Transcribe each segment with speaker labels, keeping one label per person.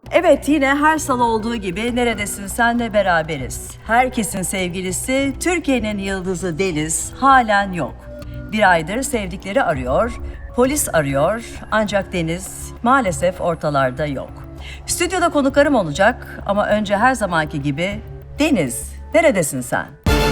Speaker 1: Evet, yine her salı olduğu gibi Neredesin Sen'le beraberiz. Herkesin sevgilisi, Türkiye'nin yıldızı Deniz halen yok. Bir aydır sevdikleri arıyor, polis arıyor ancak Deniz maalesef ortalarda yok. Stüdyoda konuklarım olacak ama önce her zamanki gibi Deniz, neredesin sen?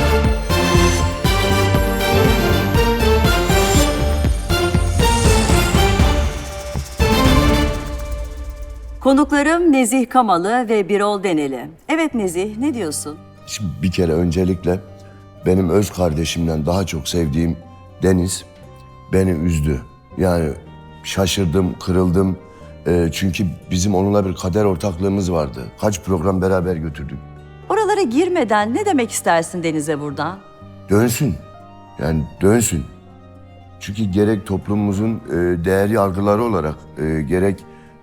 Speaker 1: Konuklarım Nezih Kamalı ve Birol Deneli. Evet Nezih, ne diyorsun?
Speaker 2: Şimdi bir kere öncelikle benim öz kardeşimden daha çok sevdiğim Deniz beni üzdü. Yani şaşırdım, kırıldım. Çünkü bizim onunla bir kader ortaklığımız vardı. Kaç program beraber götürdük.
Speaker 1: Oralara girmeden ne demek istersin Deniz'e buradan?
Speaker 2: Dönsün. Yani dönsün. Çünkü gerek toplumumuzun değer yargıları olarak, gerek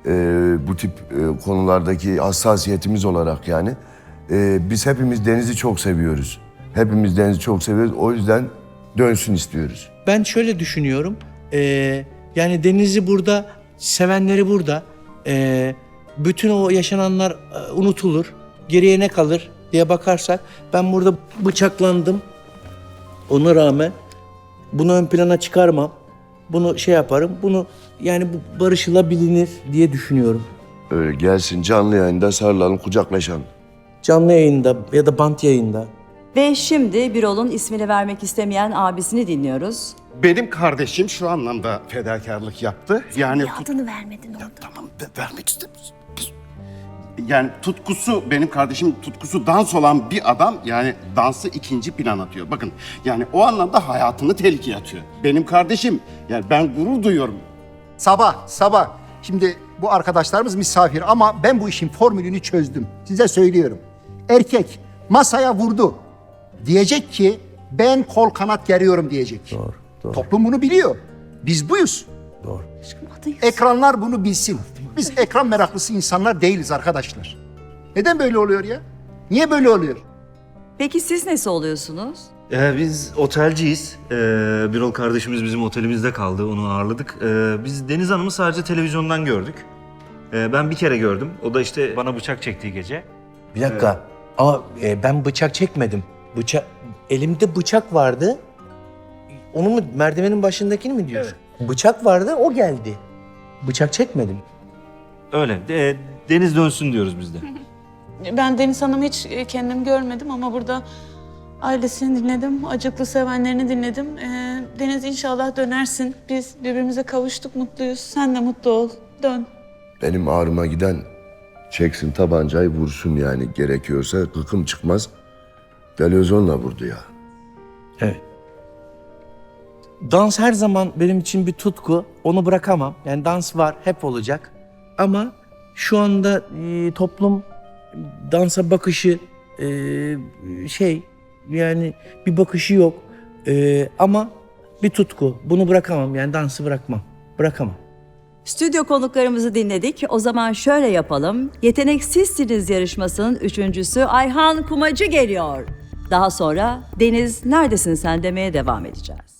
Speaker 2: bu tip konulardaki hassasiyetimiz olarak yani biz hepimiz Deniz'i çok seviyoruz. Hepimiz Deniz'i çok seviyoruz. O yüzden dönsün istiyoruz.
Speaker 3: Ben şöyle düşünüyorum. Yani Deniz'i burada, sevenleri burada. Bütün o yaşananlar unutulur. Geriye ne kalır diye bakarsak ben burada bıçaklandım. Ona rağmen bunu ön plana çıkarmam. Bunu şey yaparım. Bunu yani bu barışılabilir diye düşünüyorum.
Speaker 2: Öyle gelsin canlı yayında sarılalım, kucaklaşalım.
Speaker 3: Canlı yayında ya da bant yayında.
Speaker 1: Ve şimdi Birol'un ismini vermek istemeyen abisini dinliyoruz.
Speaker 4: Benim kardeşim şu anlamda fedakarlık yaptı. Yani
Speaker 5: Adını vermedin orada.
Speaker 4: tamam vermek istemiyoruz. Yani benim kardeşim tutkusu dans olan bir adam yani dansı ikinci plan atıyor. Bakın yani o anlamda hayatını tehlikeye atıyor. Benim kardeşim yani ben gurur duyuyorum.
Speaker 6: Sabah. Şimdi bu arkadaşlarımız misafir ama ben bu işin formülünü çözdüm. Size söylüyorum. Erkek masaya vurdu. Diyecek ki ben kol kanat geriyorum diyecek.
Speaker 3: Doğru.
Speaker 6: Toplum bunu biliyor. Biz buyuz.
Speaker 3: Doğru.
Speaker 6: Ekranlar bunu bilsin. Biz ekran meraklısı insanlar değiliz arkadaşlar. Neden böyle oluyor ya? Niye böyle oluyor?
Speaker 1: Peki siz nesi oluyorsunuz?
Speaker 7: Biz otelciyiz. Birol kardeşimiz bizim otelimizde kaldı. Onu ağırladık. Biz Deniz Hanım'ı sadece televizyondan gördük. Ben bir kere gördüm. O da işte bana bıçak çektiği gece.
Speaker 3: Bir dakika. Ama ben bıçak çekmedim. Elimde bıçak vardı. Onu mu, merdivenin başındakini mi diyorsun? Bıçak vardı, o geldi. Bıçak çekmedim.
Speaker 7: Öyle. Deniz dönsün diyoruz biz de.
Speaker 8: Ben Deniz Hanım'ı hiç kendim görmedim ama burada ailesini dinledim, acıklı sevenlerini dinledim. Deniz inşallah dönersin. Biz birbirimize kavuştuk, mutluyuz. Sen de mutlu ol, dön.
Speaker 2: Benim ağrıma giden çeksin tabancayı vursun yani gerekiyorsa gıkım çıkmaz. Televizyonla vurdu ya.
Speaker 3: Evet. Dans her zaman benim için bir tutku. Onu bırakamam. Yani dans var, hep olacak. Ama şu anda toplum dansa bakışı yani bir bakışı yok. Ama bir tutku. Bunu bırakamam. Yani dansı bırakamam.
Speaker 1: Stüdyo konuklarımızı dinledik. O zaman şöyle yapalım. Yeteneksizsiniz yarışmasının üçüncüsü Ayhan Kumacı geliyor. Daha sonra Deniz neredesin sen demeye devam edeceğiz.